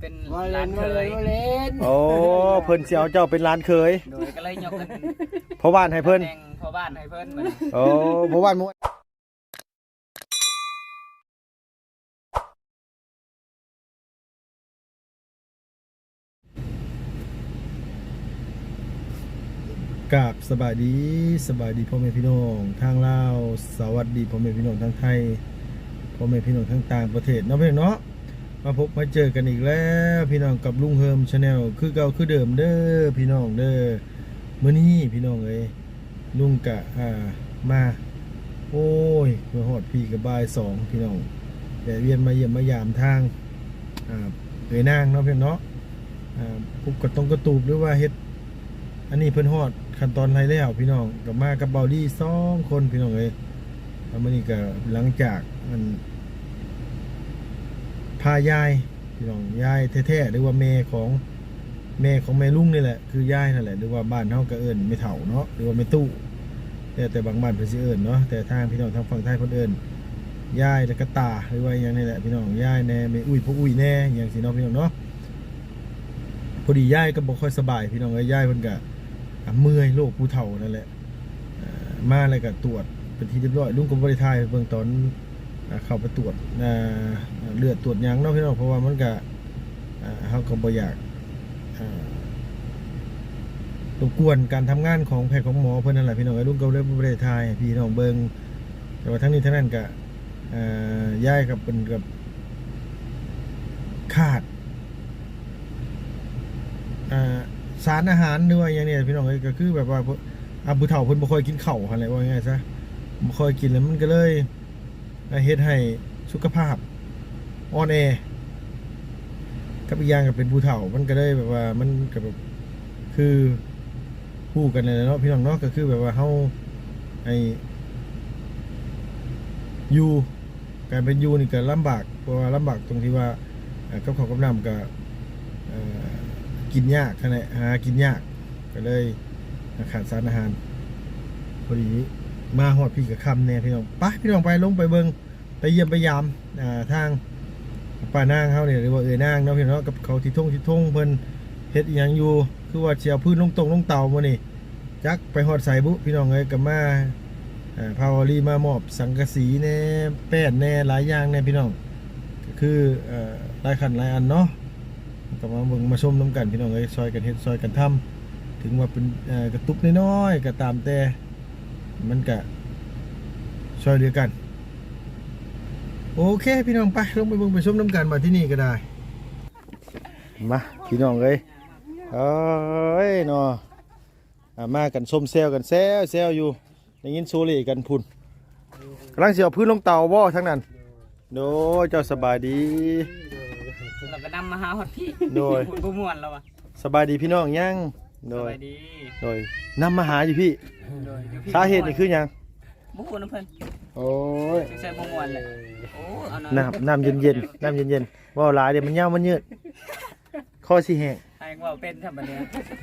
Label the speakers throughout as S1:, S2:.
S1: เป็นร้านเคย
S2: โอ้เพิ่นสิเอาเจ้าเป็นร้านเคย
S1: โดยก็เลยยกขึ้น
S2: พ่อบ้านให้เพิ่น
S1: พ่อบ้านให้เพิ่น
S2: โอ้พ่อบ้านม่วนกราบสบายดีพ่อแม่พี่น้องทางลาวสวัสดีพ่อแม่พี่น้องทางไทยพ่อแม่พี่น้องทางต่างประเทศเนาะพี่น้องเนาะมาพบมาเจอกันอีกแล้วพี่น้องกับลุงเฮิมชาแนลคือเก่าคือเดิมเด้อพี่น้องเด้อมื้อนี้พี่น้องเอ้ยลุงกะมาโอ้ยมาฮอดพี่กับบ่าย2พี่น้องแต่เวียนมาเยี่ยมมายามทางเอ้ยนางเนาะพี่น้องเนาะปุกกระตงกระตูบหรือว่าเฮ็ดอันนี้เพิ่นฮอดขั้นตอนไรแล้วพี่น้องกับมากับเบาดี้2คนพี่น้องเอ้ยแล้วมื้อนี้ก็หลังจากมันพายายพี่น้องยายแท้ๆหรือว่าแม่ของแม่ลุงนี่แหละคือยายนั่นแหละหรือว่าบ้านเฮาก็เอิ้นไม่เฒ่าเนาะหรือว่าไม่ตู้แต่บางบ้านเพิ่นสิเอิ้นเนาะแต่ทางพี่น้องทางฝั่งไทยเพิ่นเอิ้นยายแล้วก็ตาหรือว่าอย่างนี้แหละพี่น้องยายแน่แม่อุ้ยพวกอุ้ยแน่อย่างสิเนาะพี่น้องเนาะพอดียายก็บ่ค่อยสบายพี่น้องเอ้ยยายเพิ่นก็เมื่อยโรคผู้เฒ่านั่นแหละมาแล้วก็ตรวจเป็นที่เรียบร้อยลุงก็บ่ได้ถ่ายเบิ่งตอนเข้าไปตรวจเลือดตรวจหยังเนาะพี่น้องเพราะว่ามันก็เฮาก็บ่อยากรบกวนการทำงานของแพทย์ของหมอเพิ่นนั่นแหละพี่น้องลุงก็เลยบ่ได้ถ่ายให้พี่น้องเบิ่งแต่ว่าทั้งนี้ทั้งนั้นก็ย้ายกับเป็นกับขาดสารอาหารหรือว่าอย่างนี้พี่น้องก็คือแบบว่าผู้เฒ่าเพิ่นบ่ค่อยกินข้าวอะไรว่าง่ายๆซะบ่ค่อยกินแล้วมันก็เลยเฮ็ดให้สุขภาพอ่อนแอกับอีกอย่างก็เป็นผู้เฒ่ามันก็เลยแบบว่ามันก็แบบคือคู่กันเลยเนาะพี่น้องเนาะก็คือแบบว่าเฮาอยู่การเป็นอยู่นี่ก็ลำบากเพราะว่าลำบากตรงที่ว่ากับข้าวกับน้ำก็กินยากขนาดหากินยากก็เลยขาดสารอาหารพอดีมาฮอดพี่กับคำเนี่ยพี่น้องไปพี่น้องไปลงไปเบิงไปเยี่ยมไปยามทางป้านางเขาเนี่ยหรือว่าเอ๋ยนางเนาะพี่น้องกับเขาที่ทุ่งเพิ่นเฮ็ดอย่างอยู่คือว่าเชียวพื้นลงเตามานี่จักไปฮอดใส่บุพี่น้องเลยกับมาพาวลีมามอบสังกะสีแน่แป้นแน่หลายอย่างแน่พี่น้องก็คือหลายขันหลายอันเนาะก็มาเบิ่งมาชมน้ำกันพี่น้องเลยซอยกันเฮ็ดซอยกันทำถึงว่าเป็นกระตุกน้อยๆก็ตามแต่มันก็ซอยเดียวกันโอเคพี่น้องไปลงไปเบิ่งไปชมน้ำกันมาที่นี่ก็ได้มาพี่น้องเลยเอ้ยเนาะมากันส้มเซลกันแซวอยู่ได้ยินโซลีกันพุ่นกำลังเสียพื้นลงเตาบ่ทั้งนั้นโดยเจ้าสบายดี
S1: เราก็นำมาหาฮอดพี่
S2: โดย
S1: ผู้ม่วนแล้ววะ
S2: สบายดีพี่น้องยังโดยนำมาหาอยู่พี่สาเหตุนี่คือยัง
S1: บุกคนเพิ่น
S2: โอ้ย
S1: ใส่บ่ม่วนเลยโอ้เอา
S2: น้ำเย็นว่าหลายเดี๋ยวมันเหี่ยวมันยืดข้อสิแห้ง
S1: ให้ว่าเป็นธรรมดา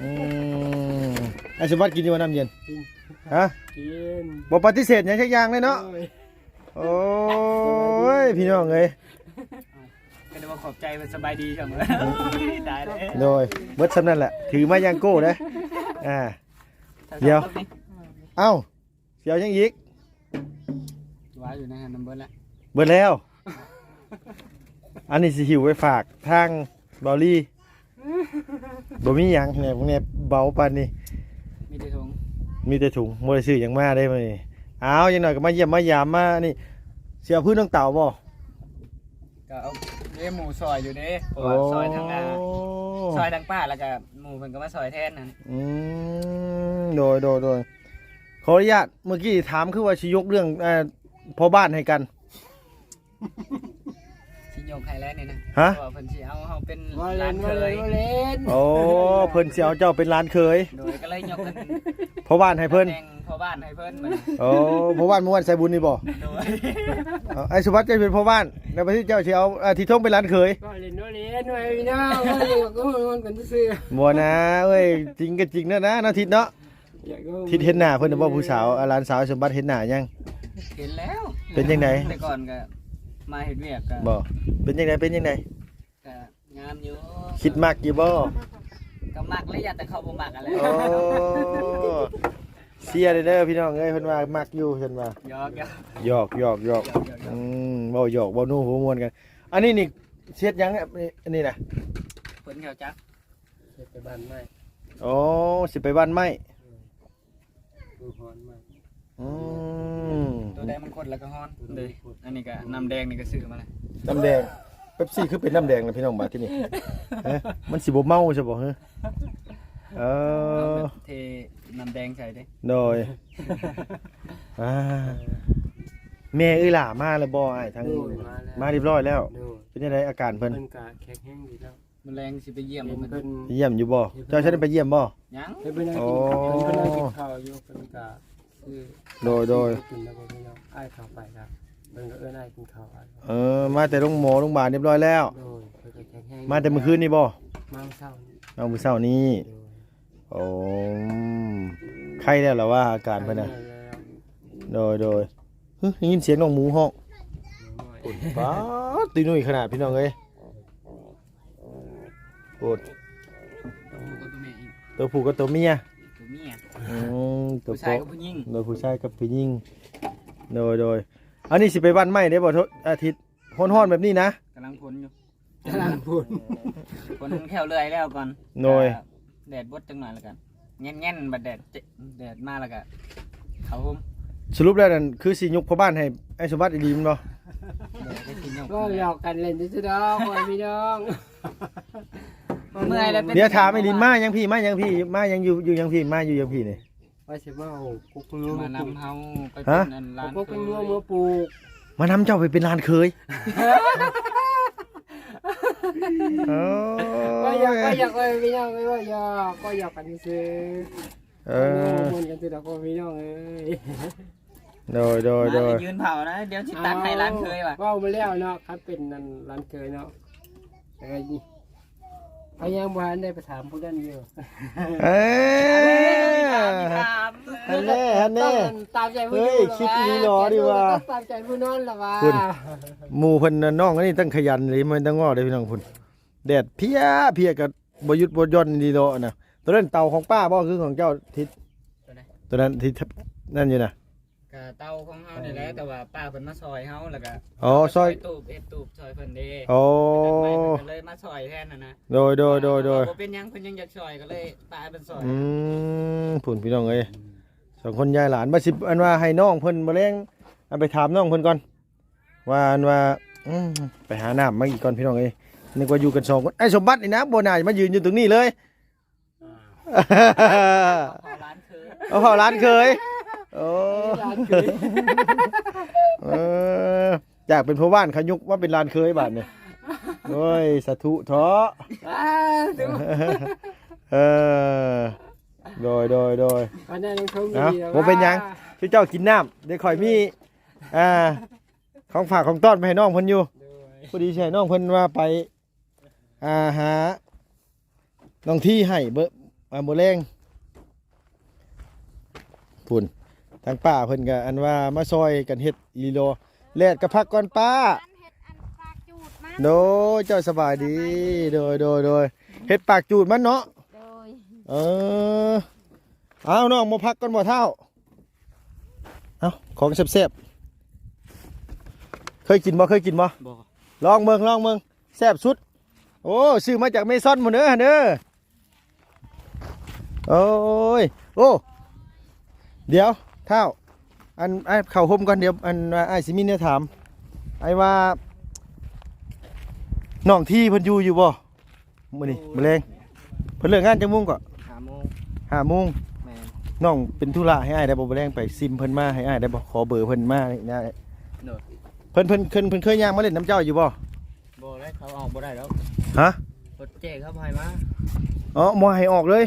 S2: ไอ้สมบัติกินอยู่ว่าน้ำเย็นฮะ
S1: กิน
S2: บ่ปฏิเสธอย่างสักอย่างเลยเนาะโอ้ยพี่น้องเอ้ย
S1: ก็ได้ว่าขอบใจมันสบายดีเสมอได้เลย
S2: โดยเบิดสำนั่นแหละถือมายังโก้เลยเดี๋ยวเอ้าเสียวยังอีก
S1: ว่าอยู่ในน้ำเบิดแล้ว
S2: เบิดแล้วอันนี้สิหิวไปฝากทางบอลลี่บ่มีหยังเนี่ยพวกนี้เบาปานนี้
S1: มีแต่ถุง
S2: บ่ได้ซื้อหยังมาได้มื้อนี้อ้าวยังหน่อยก็มาเยี่ยมมายามมานี่เสียพื้นน้องเต่าบ่
S1: ก็เอาหมูซอยอยู่เด้ซอยทางซอยทางป้าแล้วก็หมูเพิ่นก็มาซอยแทนนั่น
S2: โดยขออนุญาตเมื่อกี้ถามคือว่าสิยกเรื่องพ่อบ้านให้กัน
S1: สิยกให้แล้วนี่นะ
S2: ฮะ
S1: เพิ่นสิเอาเฮาเป็นร้านเคย
S2: โอ้เพิ่นสิเอาเจ้าเป็นร้านเคย
S1: โดยก็เลยยกขึ้น
S2: พ่อบ้านให้เพิ่น
S1: พ่อบ้านให้เพิ่น
S2: โอ้พ่อบ้านม่วนใส่บุญนี่บ่ไอ้สุภัทรจะเป็นพ่อบ้านแล้วไปที่เจ้าสิเอาที่ท่งเป็นร้านเคย
S1: ก็เล่นหน่อยพี่น้องก็มันกันซื่อ
S2: บ่นะเอ้ยจริงก็จริงนะนาทิศเนาะทิศเห็นหน้าเพิ่นบ่ผู้สาวร้านสาวสมบัติเห็นหน้ายัง
S1: เห็นแล้ว
S2: เป็นจังได๋
S1: แต่ก่อนก็มาเฮ็ดเวียกก็
S2: บ่เป็นจังได๋
S1: ก็งามามอยู่
S2: คิดมากอยู่บ่
S1: ก็มักเลยอย่าแต่เขาบ่มักอะไร
S2: โอ้เสียเด้อพี่น้องเอ้ยเพิ่นว่ามักอยู่เพิ่นว่า
S1: หยอก
S2: หยอกเว้าหยอกเว้านู่หัวม่วนกันอันนี้นี่เฮ็ดหยังอันนี้น่ะ
S1: เพิ่นเขาจัก
S3: ไปบ้านไม้
S2: โอ้สิไปบ้านไม้
S3: ดูฮอนไม้
S2: อืม
S1: ตัวแดงมันคนแล้วก็ฮ้อนเลยอันนี้ก็น้ำแดงนี่ก็ซื้อมาเลย
S2: น้ำแดงเป๊ปซี่คือเป็นน้ำแดงนะพี่น้องบาดที่นี่เอ๊ะมันสิบ่เมาใช่บ่ฮะเอ
S1: เอา
S2: อ
S1: แบบเทน้ำแดงใส่ดิ
S2: โดยอ่าแม่เอ้ยล่ะมาแล้วบ่อ้ายทาง
S3: ดู
S2: มาเรียบร้อยแล้ว
S3: ดู
S2: เป็นยังไงอาการเพิ่น
S3: เพิ่นกะแข็งแห้งดีแล้ว
S1: มันแรงสิไปเยี่ยม
S3: เห็น
S1: มัน
S3: เพิ่น
S2: เยี่ยมอยู่บ่เจ้าฉันได้ไปเยี่ยมบ่
S1: ยัง
S3: เพิ่นนั่ง
S2: โอ้
S3: กินเพิ่นนั่งกินข้าวอยู่เพิ่นกะคือ
S2: โดย
S3: กินแล้วก็พี่น้องอ้ายข้าวไปครับเพิ่นก็เอิ้นอ้ายกินข้าวอ้าย
S2: มาแต่โรงพยาบาลเรียบร้อยแล้ว
S3: โดยเพิ่นก็แข็งแห้ง
S2: มาแต่เมื่อคืนนี่บ่
S3: มาเช้านี่
S2: เอามื้อเช้านี้
S3: โดย
S2: โอ้ไข้แล้วเหรอว่าอาการเพิ่นน่ะ
S3: แล้ว
S2: โดยฮึได้ยินเสียงน้องหมูฮ้อง
S3: น้อย
S2: ป๊าดตีนุ่ยขนาดพี่น้องเอ้ยโอด
S1: ตัวผู้กับตัวแม่อีก
S2: ตัวผู้กับตัวเมีย
S1: ตัวเมีย
S2: ตัว
S1: ผู้ชายกับผู้หญิง
S2: โดยผู้ชายกับผู้หญิงโดยอันนี้สิไปบ้านไม้ได้บ่ทุกอาทิตย์ฮ้อนๆแบบนี้นะ
S1: กำลังพ้นอยู่
S3: กำลังพูด
S1: พ้นแค่เลื่อยแล้วก่อน
S2: โดย
S1: แดดบดจังหน่อยแล้วกันแง่นๆบัดแดดมาแล้วก็เขาหุ้ม
S2: สรุปแล้วนั่นคือสิยกพ่อบ้านให้ไอ้สมบัติดีๆมันบ่
S1: แดดได้กินยก
S3: ก็หยอกกันเล่นซื่อๆดอกพ่อพี่น้อง
S1: เมื่อยแล้วเป็น
S2: เดี๋ยวถามไอ้ลินมายังพี่มายังพี่มายังอยู่ยังพี่มาอยู่ยังพี่นี่
S3: ว่าสิมาเอากุ๊กงัว
S1: มา
S3: มาปลูก
S1: นำเฮาไปเป็นอันร้าน
S3: กุ๊กงัวมาปลูก
S2: มานำเจ้าไปเป็นลานเคยโอ้
S3: ก็อยากไปพี่น้องไม่ว่าอยากกันซื้อ
S2: เอ
S3: มันกันซื้อดอกพี่น้องเอ้ย
S2: โดย
S1: มายืนเผานะเดี๋ยวสิตักให้ร้านเคยว่ะ
S3: ว่ามาแล้วเนาะครับเป็นนั่นร้านเคยเนาะแต่พยายามวันได้ไปถามผู้นั้นอยู่
S2: เอ้ย
S1: ถาม
S2: ฮันแน่
S3: ตามใจผู้
S2: เฮ้ยคิดดีหรอดีว่า
S3: ตามใจผู้นั้นหรอวะ
S2: หมู่เพิ่นน่ะน้องอันนี้ตั้งขยันเลยมันตั้งงอเลยพี่น้องพุ่นแดดเพียกับบ่หยุดบ่หย่อนดีโดนะตัวนั้นเต่าของป้าบ่คือของเจ้าทิศตัวนั้นที่นั่นอยู่น่ะ
S1: กะเตาของเฮานี่แหละแต่ว่าป้าเพิ่นมาซอยเฮาแล้วก็
S2: อ๋อซอย
S1: ตูบเอ็ดตูบซอยเพิ่นเด้
S2: โอ้
S1: เพิ่นก็เลยมาซอยแทนน่ะนะ
S2: โดย
S1: บ่เป็นหยังเพิ่นยังอยากซอยก็เลยป้าเป็นซอย
S2: พุ่นพี่น้องเอ้ยสองคนยายหลานบ่สิอันว่าให้น้องเพิ่นบ่แรงอันไปถามน้องเพิ่นก่อนว่าอันว่าไปหาน้ำมาอีกก่อนพี่น้องเอ้ยนึกว่าอยู่กันสองคนไอ้สมบัตินี่นะบ่น่าจะมายืนอยู่ตรงนี้เลย
S1: พอร้านคือ
S2: เอาเผาร้านเคยโอ้อยากเป็นพ่อบ้านเขายุกว่าเป็นร้านเคยบ้านเนี่ยโอ้ยสาธุท้อโดย
S3: วันนั้นยังชม
S2: นะ
S3: ดี
S2: ผมเป็นหยังช่วยเจ้ากินน้ำได้ข่อยมีของฝากของต้อนไปให้น้องเพิ่นอยู่พอดีใช่น้องเพิ่นว่าไปหาน้องที่ให้เบอร์แรงพุ่นทางป้าเพิ่นก็อันว่ามาซอยกันเฮ็ดลีโลแลดกับพักก่อนป้าโดยเจ้าสบายดีโดยเฮ็ดปากจูดมันเนาะเอาน้องมาพักก่อนบ่เท่าเอาของแซ่บๆเคยกินบ่
S1: บ่
S2: ลองเบิ่งแซ่บสุดโอ้ซื้อมาจากเมซอนหมดเด้อโอ้ยโอ้เดี๋ยวเท่าอันไอ้เข่าห่มก่อนเดี๋ยวอันไอ้สิมีเนี่ยถามไอ้ว่าน้องที่เพิ่นอยู่บ่มื้อนี้มื้อแรงเพิ่นเลิกงานจังมุ่งก็
S1: 5 โมง
S2: 5 โมง
S1: แม่น
S2: น้องเป็นธุระให้อ้ายได้บ่มื้อแรงไปซิมเพิ่นมาให้อ้ายได้บ่ขอเบอร์เพิ่นมานี่นะ
S1: โดด
S2: เพิ่นเคยย่างมาเล่นน้ำเจ้าอยู่บ่
S1: บ่ได้เขาออกบ่ได้แล้ว
S2: ฮะ
S1: รถเจ๊เขาพายมา
S2: อ๋อบ่ให้ออกเลย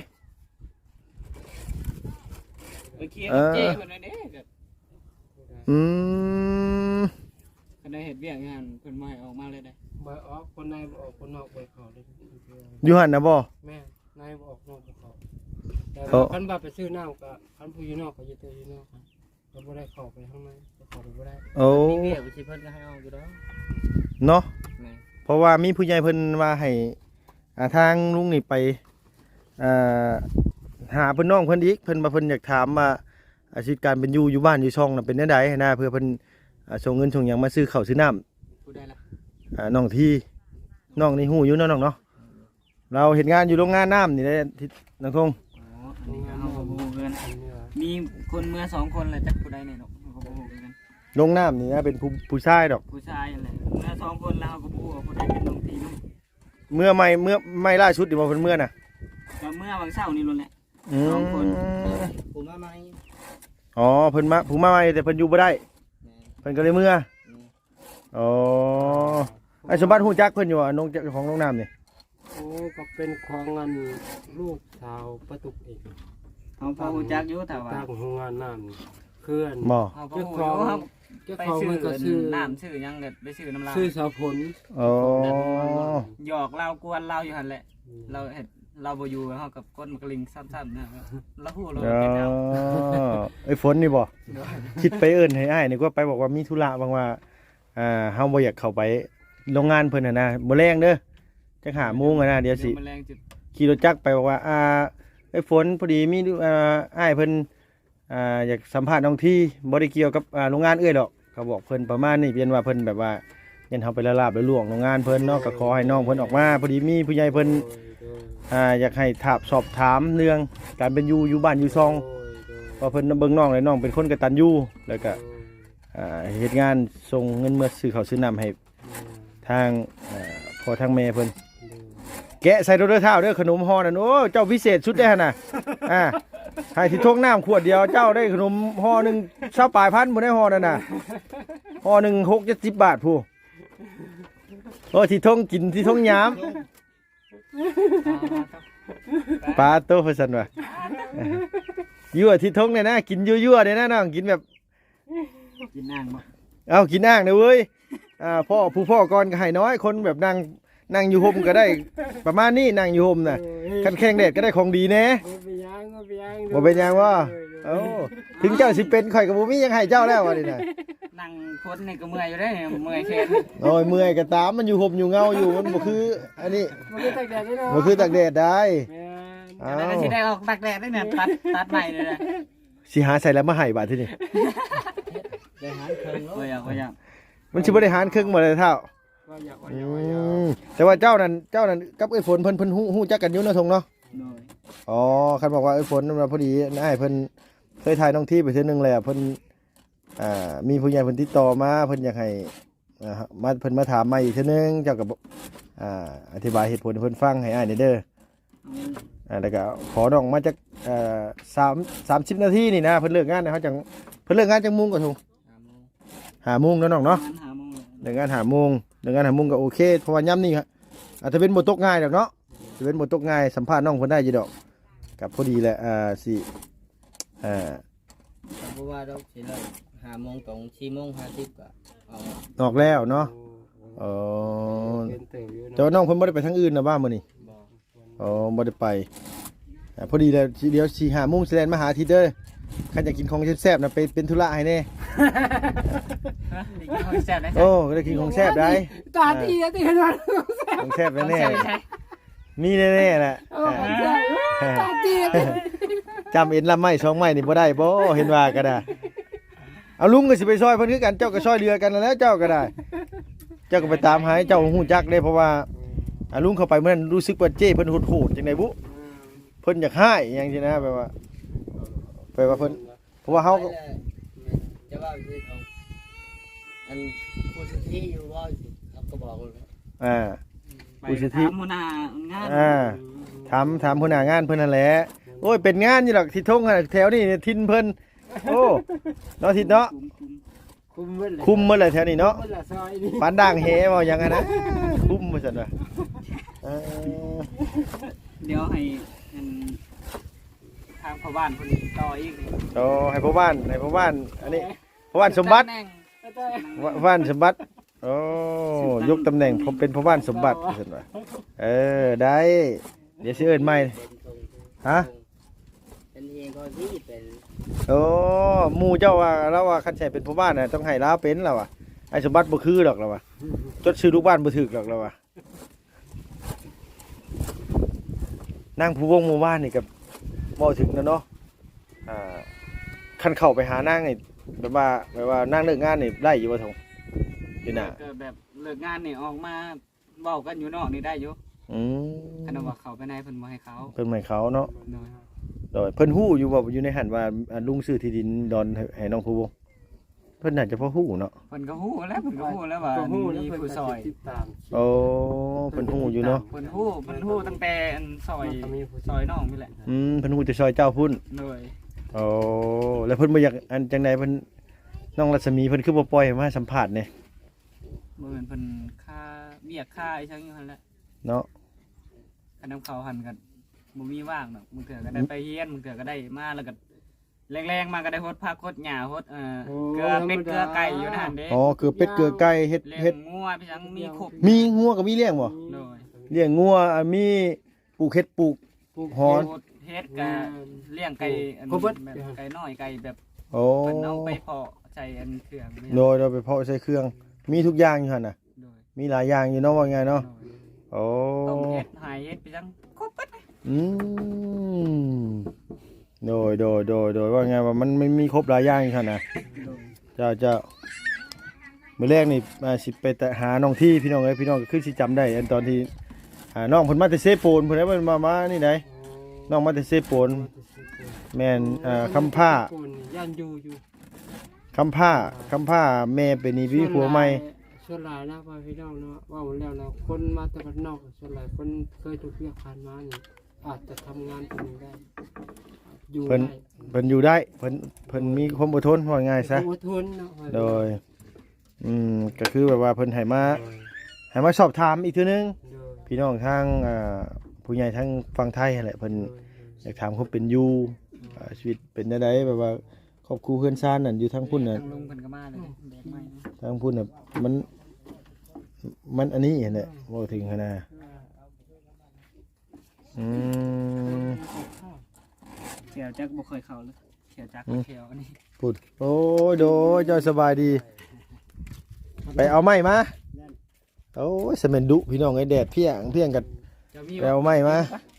S1: ไปเคลียร์รถเจ๊เพิ่นเด้ก็
S2: อืม
S1: ก็ได้เฮ็ดเวียกงานเพิ่นบ่ให้ออกมาเลยได้
S3: บ่ออกคนในบ่ออกคนนอกบ่เข้าเลย
S2: อยู่หั่นน่ะบ่
S3: แม่นายบ่ออกนอกบ่เข้าแต่คันบ่ไปซื้อน้ำก็คันผู้อยู่นอกก็อยู่ตัวอยู่นอกก็บ่ได้เข้าไปข้างในก็เข้าไปบ่ได้
S2: โอ้
S1: มีเวียกสิเพิ่นก็ให้ออกอยู่ดอก
S2: เนาะ
S1: แม่น
S2: เพราะว่ามีผู้ใหญ่เพิ่นว่าให้ทางลุงนี่ไปอ่าหาเพิ่นน้องเพิ่นอีกเพิ่นมาเพิ่นอยากถามว่าอาชีพการเป็นอยู่บ้านอยู่ช่องน่ะเป็นจังไดนะเพื่อเพิ่นส่งเงินส่งหยังมาซื้อข้าวซื้อน้ำ
S1: พูดได้ละ
S2: น้องที่น้องนี่ฮู้อยู่เนาะน้องเนาะเราเฮ็ดงานอยู่โรงงานน้ำนี่ได้ที่น้องทง
S1: อ๋ออันนี้ก็เฮาก็บ่ฮู้เกินมีคนเมื่อ2คนแหละจักผู้ใดเนี่ยเนาะเฮาก็บ่ฮู้กัน
S2: โรงน้ำนี่นะเป็นผู้ชายดอก
S1: ผู้ชายนั่นแหละเมื่อ2คนแล้วเฮาก็บ่ฮู้ว่าผู้ใดเป็นน้องทีเนาะ
S2: เมื่อไม่ล่าสุดที่บ่เพิ่นเมื่อน่ะ
S1: ก็เมื่อวันเสาร์นี่ล้วนแหละ
S2: อืม
S1: สองคนผมมาใหม่
S2: อ๋อเพิ่นมาผู้มาใหม่แต่เพิ่นอยู่บ่ได้เพิ่นก็เลยเมื่ออ๋อไอ้สมบัติฮู้จักเพิ่นอยู่ว่าน้องเจ้าของโรงน้ำนี่
S3: โอ้ก็เป็นของงานลูกสาวประตุกเอง
S1: เขาพอรู้จักอยู่แต่ว่า
S3: ตั้งโรงงานน้ำเคลื่อน
S2: บ่
S1: เขาพอรู้อยู่เขา
S3: เจ้า
S1: ไป
S3: ของ
S1: ซื้อ
S3: มันก็ซื้อ
S1: น้ำซื้อหยังเด็ดไปซื้อน้ำลาย
S3: ซื้อสาวผล
S2: อ๋อ
S1: หยอกเรากวนเราอยู่หันแหละเราเห็ดเราบ่อยู่เขากับก้นมะกลิงซ้ำๆนะครับเราพูดเรา
S2: อ๋
S1: เป็นเอา
S2: อไอ้ฝนนี่บ่คิดไปเอิ้นให้อ้ายนี่ก็ไปบอกว่ามีธุระบางว่าเฮาบ่อยากเข้าไปโรงงานเพิ่นน่ะนะมื้อแรงเด้อจัก5:00นนะเดี๋ยวสิ
S1: แมลงจุด
S2: ขี่รถจักรไปบอกว่าไอ้ฝนพอดีมีอ้ายเพิ่นอยากสัมภาษณ์น้องที่บ่ได้เกี่ยวกับโรงงานเอื้อยดอกเขาบอกเพิ่นประมาณนี้เพียงว่าเพิ่นแบบว่ายันเฮาไปละลาบละล่วงโรงงานเพิ่นเนาะก็ขอให้น้องเพิ่นออกมาพอดีมีผู้ใหญ่เพิ่นอยากให้สอบถามเรื่องการเป็นอยู่บ้านอยู่ซองว่าเพิ่นเบิ่งน้องเลยน้องเป็นคนกตัญญูแล้วก็เฮ็ดงานส่งเงินเมื่อซื้อข้าวซื้อน้ำให้ทางพ่อทางแม่เพิ่น แกะใส่รถเท้าเด้อขนมห่อนั่นโอ้เจ้าพิเศษชุดได้หั่นน่ะให้ที่ทงน้ำขวดเดียวเจ้าได้ขนมห่อหนึ่ง20 ปลายพันบ่ได้ห่อนั่นน่ะห่อหนึ่ง60-70 บาทผู้โอ้ที่ทงกินที่ทงยามปลาโตเพิ่นซั่นว่ะยั่วที่ทงเนี่ยนะกินยั่วๆเนี่ยนะน้องกินแบบ
S1: กินอ่างบ่
S2: เอากินอ่างเด้อเว้ยพ่อก่อนก็ให้น้อยคนแบบนั่งอยู่ห่มก็ได้ประมาณนี้นั่งอยู่ห่มน่ะคันแข้งแดดก็ได้ของดีแน่บ่เป็นหยังวะเอ้าถึงเจ้าสิเป็นข่อยก็บ่มีหยังให้เจ้าแล้วว่านี่น่ะ
S1: นั่งคนนี่ก็เมื่อยอยู่ได้เนี่ยเมื่อยแขน
S2: โอ้ยเมื่อยก็ตามมันอยู่ห่มอยู่เงาอยู่มันบ่คืออันนี้
S3: มันคือตากแดดได้เนาะ
S2: บ่คือตากแดดได้
S3: แม่น
S1: แต่ได้สิได้ออกตักแดดได้เนี่ยตัดใหม่เลยนะ
S2: สิหาใส่แล้วมาให้บาดทีนี้
S1: ได้หาเคิงแล้วก็ยัง
S2: มันสิบ่ได้หารครึ่งบ่เลยเท่า
S3: ว่าอยาก
S2: แต่ว่าเจ้านั้นกับไอ้ฝนเพิ่นฮู้จักกันอยู่เนาะทงเนาะ
S1: โดย
S2: อ๋อคันบอกว่าไอ้ฝนมันพอดีอ้ายเพิ่นเคยถ่ายน้องที่ไปเทื่อนึงแล้วเพิ่นมีผู้ใหญ่เพิ่นติดต่อมาเพิ่นอยากให้เพิ่นมาถามใหม่อีกเทื่อนึงเจ้าก็อธิบายเหตุผลให้เพิ่นฟังให้อ้ายเด้อแล้วก็ขอน้องมาจาก30 นาทีนี่นะเพิ่นเลิกงานนะเขาจังเพิ่นเลิกงานจังมุ่งก็ถูก5 โมงเนาะน้องเนาะ
S1: หาโมง
S2: เลิกงาน5 โมงเลิกงาน5 โมงก็โอเคเพราะว่าย่ำนี่ครับอาจจะเป็นบ่ตกง่ายดอกเนาะจะเป็นบ่ตกง่ายสัมภาษณ์น้องเพิ่นได้อยู่ดอกกับพอดีแหละสิ
S4: เพราะว่าเราสิเลิก5 โมงตรง4:50ก็ออก
S2: ออกแล้วเนาะ
S3: เป็นเติบอยู่
S2: แต่ว่าน้องเพิ่นบ่ได้ไปทางอื่นนะบ้านมื้อนี้
S4: บ่
S2: อ๋อบ่ได้ไปพอดีแล้วเดี๋ยว4 5 โมงสิแล่นมาหาทีเด้อคันอยากกินของแซ่บๆน่ะไปเป็นธุระให้แน่
S1: นี่กินของแซ่บได้
S2: โอ้ก็ได้กินของแซ่บได้
S3: ตาตีตีขนาด
S2: ของแซ่บ
S1: ของ
S2: แน่
S1: แซ่บได้
S2: ๆมีแน่ๆแหละ
S3: ตาตี
S2: จำเอ็นลำไม้2ไม้นี่บ่ได้บ่เห็นว่าก็ได้เอาลุงก็สิไปซอยเพิ่นคือกันเจ้าก็ซอยเรือกันนั่นแหล้วเจ้าก็ได้ เจ้าก็ไปตามหาให้เจ้าฮู้จักได้เพราะว่าลุงเข้าไปเมื่อนั้นรู้สึกว่าเจ้เพิ่นโหดๆจังได๋บุเพิ่นอยากให้อหยังซี่นะแบบว่าเพิ่นเพราะว่าเฮาก็
S4: จะว่าคือของอันผู้ที่อยู่ว่าครับก็บอกเลย
S1: ไปถามหัวหน้างาน
S2: ถามหัวหน้างานเพิ่นนั่นแหละโอ้ยเป็นงานอยู่หรอกที่ทงแถวนี้ทินเพิ่นโอ้เนาะทิศเนาะ
S3: คุมเมื่อไหร่
S2: คุมหมดเลยแถวนี้เนาะ
S3: เมื่อไหร่ซอยนี่
S2: ปานด่างแหเว้าหยังอะนะคุมว่าซั่นว่า
S1: เดี๋ยวให้ทางพ่อบ้านคนนี้ต่ออีก
S2: โอ้ให้พ่อบ้านอันนี้พ่อบ้านสมบัติพ่อบ้านสมบัติโอ้ยกตำแหน่งผมเป็นพ่อบ้านสมบัติว่าซั่นว่าได้เดี๋ยวสิเอิ้นใหม่ฮะ
S4: เป็นเองก็ที่เป็น
S2: โอ้หมู่เจ้าว่าแล้วว่าคันใช้เป็นพ่อบ้านน่ะต้องให้ลาเป็นแล้วว่ะไอ้สมบัติบ่คือดอกแล้วว่ะจดชื่อลูกบ้านบ่ถูกดอกแล้วว่ะนั่งผู้วงหมู่บ้านนี่กับบ่ถึงแล้วเนาะคันเข้าไปหานางนี่แบบว่านั่งเลิกงานนี่ได้อยู่บ่ทงอยู่น่ะ
S1: ก็แบบเลิกงานนี่ออกมาเว้ากันอยู่นอกนี่ได้อยู่ คันว่าเขาไปในเพิ่นบ่ให้เขา
S2: เพิ่นให้เขาเนาะ
S1: โดย
S2: โดยเพิ่นฮู้อยู่บ่อยู่ในหันว่าลุงซื้อที่ดินดอนให้น้องผู้วงเพิ่นน่าจะพอฮู้เนาะ
S1: เพิ่นก็ฮู้แล้วเพิ่นก็ฮู้แล้วว่า
S3: ตัวหู้แล้ว
S1: มี
S3: เพิ่น
S1: ผู้
S3: ก็
S1: ซอย
S3: ติดตาม
S2: โอ้เพิ่นฮู้อยู่เนาะ
S1: เพิ่นฮู้ตั้งแต่อันซอยน้องนี่แหละ
S2: เพิ่นฮู้แต่ซอยเจ้าพุ่น
S1: โดย
S2: โอ้แล้วเพิ่นบ่อยากอันจังไดเพิ่นน้องรัศมีเพิ่นคือบ่ปล่อยให้มาสัมภาษณ์นี่
S1: บ่แม่นเพิ่นค่าเบี้ยค่าอีจังอยู่หั่นแหละ
S2: เนาะ
S1: คันนำเขาหันกันบ่มีว่างดอกมึงเถื่อก็ได้ไปเฮียนมึงเถื่อก็ได้มาแล้วก็แรงๆมาก็ได้ฮดผักฮดหญ้าฮดเกลือเป็ดเกลือไก่อยู่ในหั่นเด้
S2: อ๋อคือเป็ดเกลือไก่เฮ็ด
S1: เลี้ย
S2: เฮ็ด
S1: งงัวพี่จังมีครบ
S2: มีงัวก็มีเลี้ยงบ่
S1: โดย
S2: เลี้ยงงัวมีปลูกเฮ็ดปลูก ฮอน
S1: เฮ็ดก็เลี้ยงไก่อันแบบไก่น้อยไก่แบบ
S2: โอ้
S1: เพิ่นเอาไปเพาะใส่อันเครื่องนี่
S2: โดยไปเพาะใส่เครื่อง มีทุกอย่างอยู่หั่นน่ะ
S1: โดย
S2: มีหลายอย่างอยู่เนาะว่าไงเนาะ โอ้
S1: ต้มเฮ็ดหายเฮ็ดพี่จังครบเบิดเลย
S2: อืมโดยว่าไงว่ามันไม่มีครบหลายอย่างอยู่หั่นน่ะ
S1: โดย
S2: เจ้ามื้อแรกนี่สิไปแต่หาน้องที่พี่น้องเอ้ยพี่น้องก็คือสิจำได้อันตอนที่น้องเพิ่นมาแต่เซโปนเพิ่นได้เพิ่นมานี่ไดน้องมาแต่เซโปนแม่นคำผ้า
S3: ย่านอยู่
S2: คำผ้าแม่เป็นนี่พี่ผัวใหม่
S3: ส่วนหลายนะพ่อพี่น้องเนาะว่าหมดแล้วนะคนมาแต่บ้านนอกส่วนหลายคนเคยถูกเรียกผ่านมานี่อาจจะทำงานตรงนี้ได้อยู่
S2: เพิ่น
S3: ได้
S2: เพิ่นอยู่ได้เพิ่นมีความอดทนว่าง่ายซะ
S3: อดทนเนาะ
S2: โดยก็คือแบบว่าเพิ่นให้มาสอบถามอีกเทื่อนึง
S3: โดย
S2: พี่น้องทางผู้ใหญ่ทางฝั่งไทยนั่นแหละเพิ่นอยากถามเขาเป็นอยู่ชีวิตเป็นจังไดแบบว่าครอบครัวเพื่อนซ่านนั่นอยู่ทางพุ่นน่ะ
S1: ทางลุงเพิ่นก็มาเลยแบกไม้นะ
S2: ทางพุ่นน่ะมันอันนี้เห็นแหละบ่ถึงขนาดอืม
S1: เขียวจักบ่เคยเข้าเลยเขียวจักเขียวอันนี้
S2: พูดโอ้ยโดยเจ้าสบายดี ไปเอาไม้มาโอ้ยสแมนดุพี่น้องไอ้แดดเพียงกัน
S1: จะมี
S2: ไปเอาไม้มา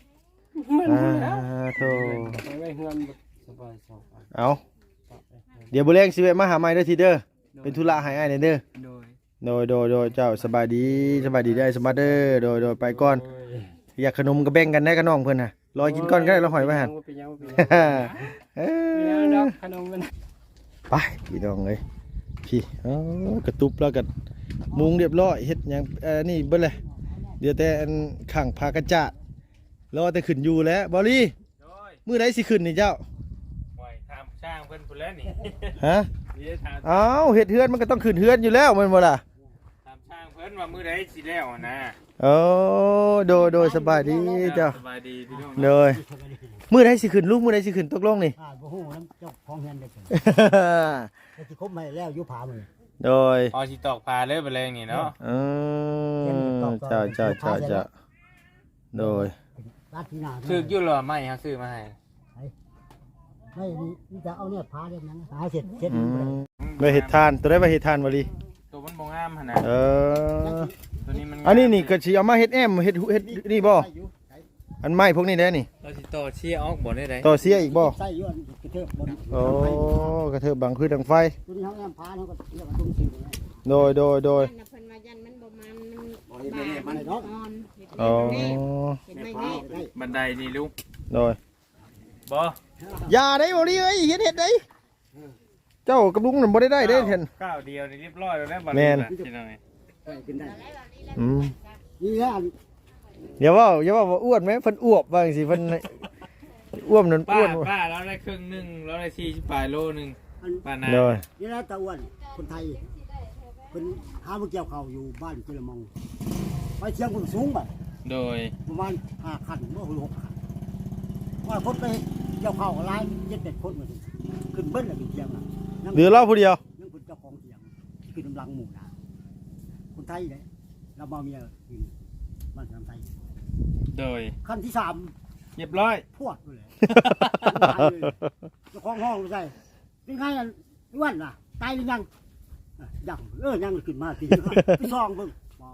S2: โธ่
S3: ไปไว้เฮือนสบายสบาย
S2: เอาเดี๋ยวบุเรงสิเวะมาหาไม้เด้อทีเด้อเป็นธุระให้อ้ายเด้อ
S1: โดย
S2: โดยเจ้าสบายดีได้สบายเด้อโดยไปก่อนอยากขนมก็แบ่งกันได้กับน้องเพิ่นน่ะรอกินก่อนก็ได้เราหอยไว้หั่น
S3: เป็นยัง
S2: เอ้
S3: ด
S2: ย
S3: อกขนมมัน
S2: ไปพี่น้องเอ้ยพี่กระตุบแล้วก็มุงเรียบร้อยเฮ็ดหยังนี่เบิดเลยเดี๋ยวแต่อันข้างพากระจาดรอแต่ขึ้นอยู่แล้วบอลี่
S5: โดย
S2: มื้อใดสิขึ้นนี่เจ้า
S5: ปล่อยทำช่างเพิ่นพุ่นแล้วนี่
S2: ฮะ
S5: นี่ได้ถาม
S2: อ้าวเฮ็ดเฮือนมันก็ต้องขึ้นเฮือนอยู่แล้วแม่นบ่ล่ะ
S5: ถามช่างเพิ่นว่ามื้อใดสิแล้วนะ
S2: โอ้โดยสบายดีเจ้า
S5: สบายดีพี่น้อง
S2: โดยมื้อใดสิขึ้นลูกมื้อใดสิขึ้นตกลงนี่
S6: บ่ฮู้นำเจ้าของเฮือนได้เกิดแต่สิคบมาแล้วอยู่ผามือ
S2: โดย
S5: พอสิตอกพาเลยไปแรงนี่เนาะ
S2: เจ้าโดย
S6: ราดที่นา
S5: ซื้ออยู่หรอไม่ครับซื้อมาให้
S6: ไม่นี่จะเอาเนี่ยผาเล่นนั้นหาเสร็จบ่ได้
S2: ไปเฮ็ดทานตัวได้ไปเฮ็ดทานบ่ลี
S5: ตัวมันบ่งามหั่นน่ะ ตัวนี้มัน
S2: อันนี้นี่ก็สิเอามาเฮ็ดแอมเฮ็ดนี่บ่อันไม้พวกนี้ได้นี่
S5: เราสิต่อเชียร์ออกบ่ได้ได
S2: ต่อเสียอีกบ่
S6: ใส่อยู่อันกระเทิบบน
S2: โอ้กระเทิบบังคือดังไฟ
S6: ตัวนี้เฮาแอมผาเฮาก็เรียกว่าตุ้มสิงเลย
S2: โดย
S7: เพิ่นว่ายันมันบ่มันมันบาดอ่อน
S2: อ๋อ
S7: เห็นไหมนี่
S5: บันไดนี่ลูก
S2: โดย
S5: บ่
S2: อย่าได้บ่ลีเอ้ยเฮ็ดได้เจ้ากับลุงนั่นบ่ได้เด้เห็น
S5: ก้าวเดียวนี่เรียบร้อยแล้วนะบัด
S2: แม่
S5: นี้
S2: น
S5: นะพี่น้อง
S6: กินได้
S2: อืม
S6: นี่ฮะ
S2: อย่าว่าว่าอ้วนไหมเพิ่นอ้วบว่าจังซี่เพิ่นอ้วมนั่น
S5: ป้า
S2: อ้วน
S5: ป้าเราได้ครึ่งนึงเราได้40ปลายโลนึงป้านา
S2: โดย
S6: นี่นะตะอ้วนคนไทยเพิ่นหาบ่เกี่ยวข้าวอยู่บ้านเจริญมองไปเชียงคนสูงบ่
S5: โดย
S6: ประมาณ5คันบ่6คันว่าคนไปเกี่ยวข้าวหลาย7-8คนมาขึ้นเบิ้ลแล้วขึ้นเชียงน่ะ
S2: เหลือเราผู้เดียว
S6: ยังเป็นเจ้าของเถียงคือกำลังหมู่นะคนไทยเลยเรามาเมียกินบ้านคนไทย
S5: โดย
S6: ขั้นที่
S5: เรียบร้อย
S6: 3พวดไปเลยเจ้าของห้องใส่เป็นไงกันอ้วนล่ะตายหรือยังยังยังขึ้นมาทีไปซองเบิ่ง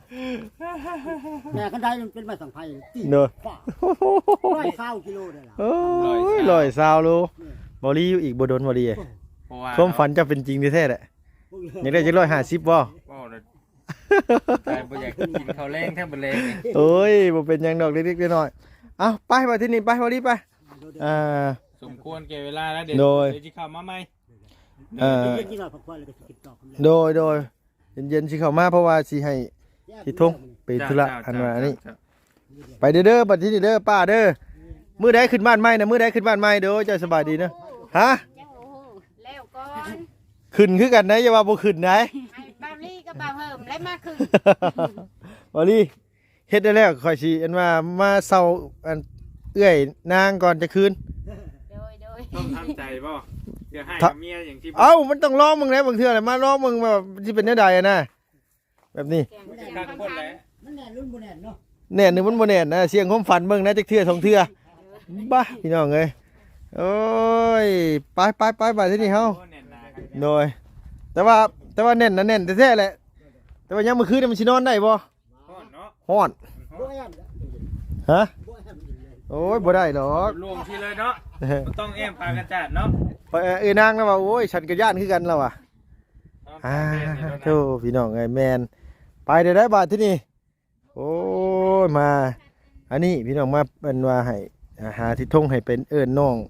S6: แม่กันได้มันเป็นไม้สังไพรตี
S2: เด้อ
S6: ฝ่า120กิโลได้ล่ะ
S2: โอ้ย120โลบ่รีอยู่อีกบ่โดนบ่รี
S5: เพราะว่า
S2: ความฝันจะเป็นจริงแท้ๆแหละอยากได้จัก150บ่
S5: ว้าวเลยใจบ่อยากกินข้าวแรงแทบบ่แรงเลย
S2: โอ้ยบ่เป็นหยังดอกเล็กๆน้อยๆเอาไปมาที่นี่ไปบ่รีไป
S5: สมควรแก่เวลาแล้วเดี๋ยวสิเข้ามาใหม่
S6: เย็นๆกินหน่อยพักผ่อนแล้วก็สิกินต่อ
S2: โดยเย็นๆสิเข้ามาเพราะว่าสิให้สิทงไปธุระอันว่าอันนี้ไปเด้อบัดที่นี่เด้อป้าเด้อมื้อใดขึ้นบ้านใหม่นะมื้อใดขึ้นบ้านใหม่เด้อเจ้าสบายดีนะฮะ
S7: ยังโอ้โหแล้วก่อน
S2: ขึ้นคือกันนะอย่าว่าบ่ขึ้นนะ
S7: ให้บาวลี่กับบ่าวเฮิมและมาคือ
S2: บ่ลีเฮ็ดได้แล้วค่อยสิอันว่ามาเซาอันเอื้อยนางก่อนจะคืน
S7: โดย
S5: ต้องทำใจบ่เดี๋ยวให้กับเมียอย่างที่
S2: เอ้ามันต้องร้องมึงนะบางเทื่อน่ะมาร้องมึงแบบสิเป็นแนวใดอะนะแบบนี้
S7: เสียง
S5: ข้างคนแหละ
S6: มันแน่นรุ่นบ่แน่นเนาะ
S2: แน่นหรือมันบ่แน่นนะเสียงความฝันเบิ่งนะจักเทื่อสองเทื่อบ้าพี่น้องเอ้ยโอ้ยไปไปที่นี่เฮา
S5: โอ้แน่นหนาครับ
S2: โดยแต่ว่าแน่นนะแน่นแท้ๆแหละแต่ว่ายามมื้อคืนนี่มันสินอนได้บ่
S5: ฮ้อนเนาะ
S2: ฮ้อน
S6: บ่แอม
S2: ฮะ
S6: บ่แอมอีกเลย
S2: โอ้ยบ่ได้ดอก
S5: รวมทีเลยเนาะบ่ต้องแอมพากันจัดเนาะ
S2: นางแล้วว่าโอ้ยฉันก็ย่านคือกันแล้วว่ะ
S5: เอา
S2: โธ่พี่น้องไอ้แมนไปได้บาทที่นี่โอ้ยมาอันนี้พี่น้องมาเป็นว่าให้หาทิศทงให้เป็นเอิ้นน้อง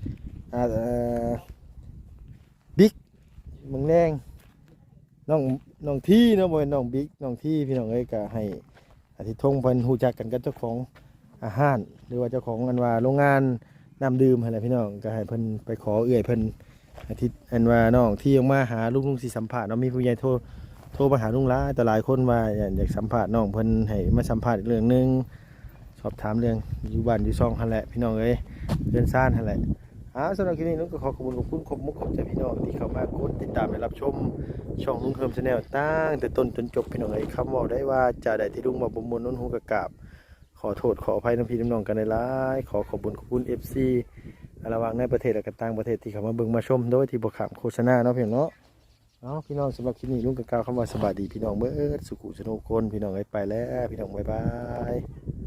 S2: บิ๊กมึงแรงน้องที่เนาะบ่แม่นน้องบิ๊กน้องที่พี่น้องเอ้ยก็ให้อาทิตย์ทงเพิ่นฮู้จักกันกับเจ้าของอาหารหรือว่าเจ้าของอันว่าโรงงานน้ำดื่มหั่นแหละพี่น้องก็ให้เพิ่นไปขอเอื้อยเพิ่นอาทิตย์อันว่าน้องที่ออกมาหาลุงสิสัมภาษณ์เนาะมีผู้ใหญ่โทรมาหาลุงหลายแต่หลายคนว่าอยากสัมภาษณ์น้องเพิ่นให้มาสัมภาษณ์อีกเรื่องนึงสอบถามเรื่องอยู่บ้านอยู่ซ่องหั่นแหละพี่น้องเอ้ยเรือนซ่านหั่นแหละสำหรับคลิปนี้นุ้งก็ขอบคุณขอบมุกขอบใจพี่น้องที่เข้ามากดติดตามและรับชมช่องลุงเฮิมชาแนลตั้งแต่ต้นจนจบพี่น้องเอ้ยคำบอกได้ว่าจะได้ที่ลุงมาบ่มวนน้นหูกะกราบขอโทษขออภัยน้ำพี่น้องกันหลายๆขอบคุณ FC ระหว่างในประเทศและก็ต่างประเทศที่เข้ามาเบิ่งมาชมโดยที่บ่ขามโฆษณาเนาะพี่น้องเนาะพี่น้องสำหรับคลิปนี้ลุงก็กล่าวคำว่าสวัสดีพี่น้องเบิดสุขุสนุกคนพี่น้องเอ้ยไปแล้วพี่น้องบ๊ายบาย